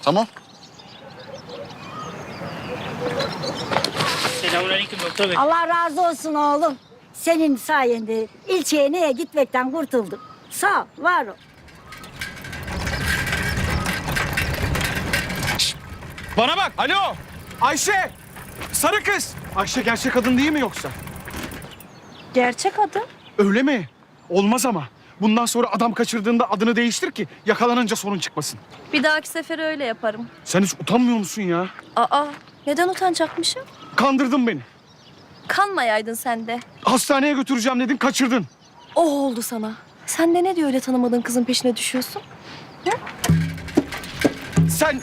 Tamam. Selamünaleyküm doktor bey. Allah razı olsun oğlum. Senin sayende ilçeye neye gitmekten kurtuldum. Sağ ol, var ol. Bana bak. Alo. Ayşe. Sarı kız. Ayşe gerçek adın değil mi yoksa? Gerçek adı? Öyle mi? Olmaz ama. Bundan sonra adam kaçırdığında adını değiştir ki yakalanınca sorun çıkmasın. Bir dahaki sefer öyle yaparım. Sen hiç utanmıyor musun ya? Aa, neden utanacakmışım? Kandırdın beni. Kanmayaydın sen de. Hastaneye götüreceğim dedin, kaçırdın. O oldu sana. Sen de ne diye öyle tanımadığın kızın peşine düşüyorsun? Sen...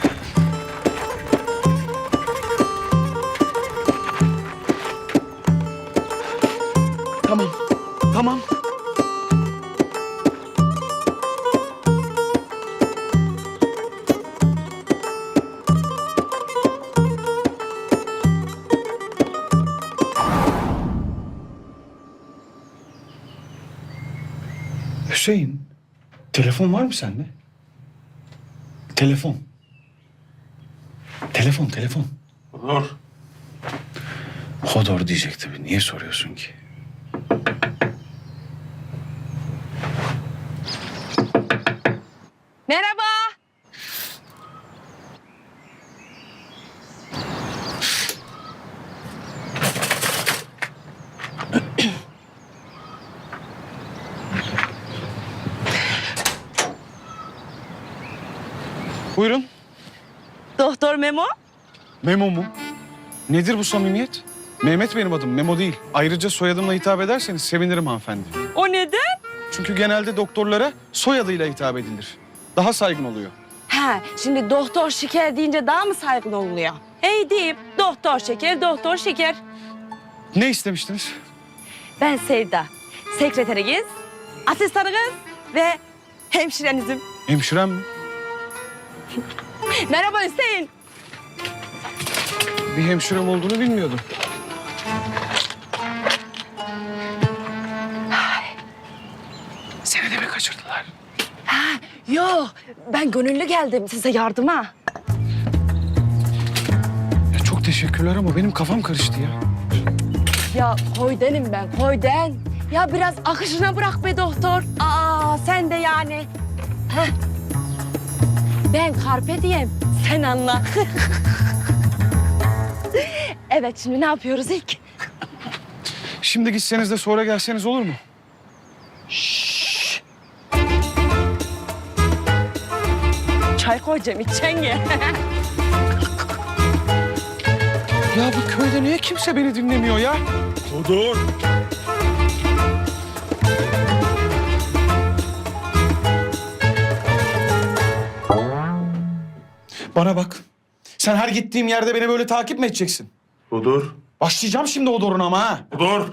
Tamam, tamam. Hüseyin, telefon var mı sende? Telefon. Telefon. Olur. Hodor diyecek tabii. Niye soruyorsun ki? Merhaba. Buyurun. Doktor Memo. Memo mu? Nedir bu samimiyet? Mehmet benim adım, Memo değil. Ayrıca soyadımla hitap ederseniz sevinirim hanımefendi. O neden? Çünkü genelde doktorlara soyadıyla hitap edilir. Daha saygın oluyor. Ha, şimdi doktor şeker deyince daha mı saygın oluyor? Ey deyip doktor şeker. Ne istemiştiniz? Ben Sevda, sekreteriniz, asistanınız ve hemşirenizim. Hemşirem mi? Merhaba Hüseyin. Bir hemşirem olduğunu bilmiyordum. Seni de mi kaçırdılar? Yok, ben gönüllü geldim size yardıma. Ya çok teşekkürler ama benim kafam karıştı ya. Ya koydenim ben, koyden. Ya biraz akışına bırak be doktor. Aa, sen de yani. Heh. Ben Carpe diem, sen anla. Evet, şimdi ne ilk? Şimdi gitseniz de sonra gelseniz olur mu? Çay koyacağım, içeceksin ya. Ya bu köyde niye kimse beni dinlemiyor ya? Dur. Bana bak. Sen her gittiğim yerde beni böyle takip mi edeceksin? Dur. Başlayacağım şimdi o doruna ama ha. Dur.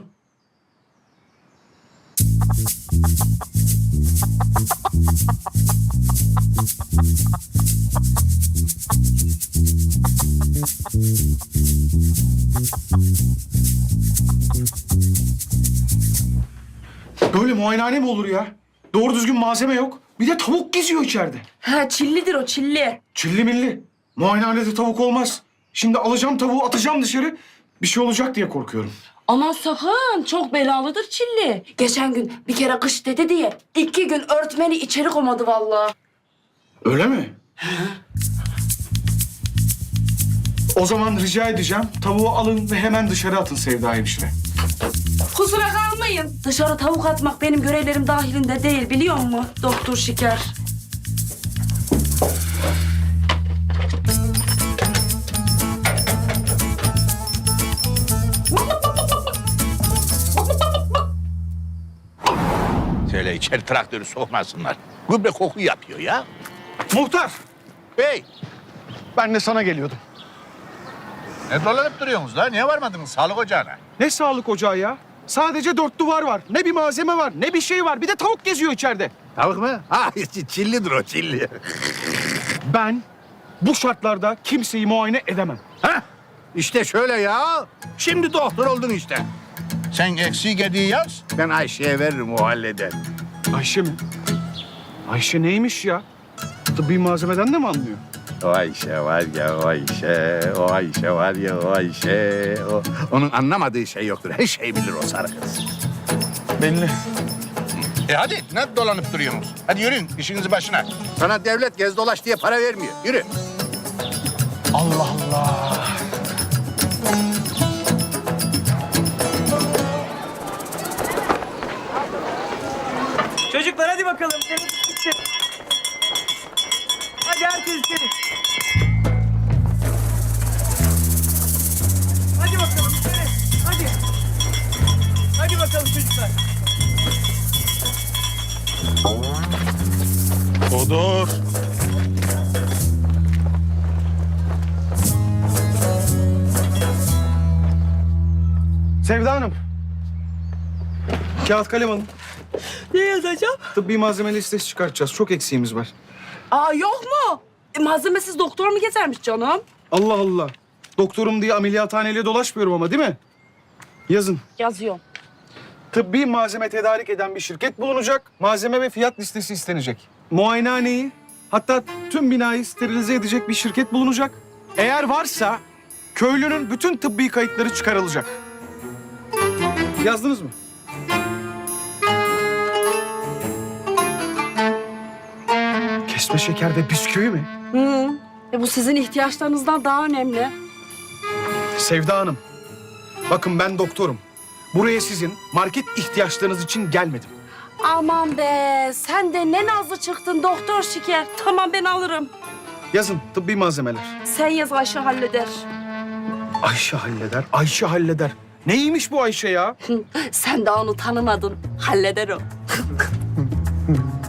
Böyle muayenehane mi olur ya? Doğru düzgün malzeme yok. Bir de tavuk geziyor içeride. Ha, çillidir o, çilli. Çilli milli. Muayenehanede tavuk olmaz. Şimdi alacağım tavuğu atacağım dışarı. Bir şey olacak diye korkuyorum. Aman sakın, çok belalıdır çilli. Geçen gün bir kere kış dedi diye 2 gün örtmeni içeri koymadı vallahi. Öyle mi? O zaman rica edeceğim. Tavuğu alın ve hemen dışarı atın Sevda hemşire. Kusura kalmayın. Dışarı tavuk atmak benim görevlerim dahilinde değil, biliyor musun doktor şeker? Şöyle içeri traktörü sokmasınlar. Gübre koku yapıyor ya. Muhtar, Bey, ben de sana geliyordum. ne dolanıp duruyorsunuz la? Niye varmadınız sağlık ocağına? Ne sağlık ocağı ya? Sadece 4 duvar var. Ne bir malzeme var, ne bir şey var. Bir de tavuk geziyor içeride. Tavuk mu? Ha, çillidir o, çilli. Ben bu şartlarda kimseyi muayene edemem. Ha? İşte şöyle ya. Şimdi doktor oldun işte. Sen eksik hediye yaz, ben Ayşe'ye veririm, o halleder. Ayşe mi? Ayşe neymiş ya? Tıbbi malzemeden de mi anlıyor? O Ayşe var ya o Ayşe. O Ayşe var ya o Ayşe. Onun anlamadığı şey yoktur. Her şeyi bilir o sarı kız. Belli. Hadi ne dolanıp duruyorsunuz? Hadi yürüyün işinizin başına. Sana devlet gez dolaş diye para vermiyor. Yürü. Allah Allah. Çocuklar hadi bakalım. Teneffüs bitti. Hadi herkes içeri. Hadi bakalım içeri. Hadi. Hadi bakalım çocuklar. Odur. Sevda Hanım. Kağıt kalem alın. Ne yazacağım? Tıbbi malzeme listesi çıkartacağız. Çok eksiğimiz var. Aa yok mu? Malzemesiz doktor mu gezermiş canım? Allah Allah. Doktorum diye ameliyathaneyle dolaşmıyorum ama değil mi? Yazın. Yazıyorum. Tıbbi malzeme tedarik eden bir şirket bulunacak. Malzeme ve fiyat listesi istenecek. Muayenehaneyi, hatta tüm binayı sterilize edecek bir şirket bulunacak. Eğer varsa köylünün bütün tıbbi kayıtları çıkarılacak. Yazdınız mı? Kesme şeker ve bisküvi mi? Hı. Bu sizin ihtiyaçlarınızdan daha önemli. Sevda Hanım, bakın ben doktorum. Buraya sizin market ihtiyaçlarınız için gelmedim. Aman be, sen de ne nazlı çıktın doktor şeker. Tamam ben alırım. Yazın tıbbi malzemeler. Sen yaz Ayşe halleder. Ayşe halleder, Ayşe halleder. Neymiş bu Ayşe ya? Sen daha onu tanımadın. Halleder o.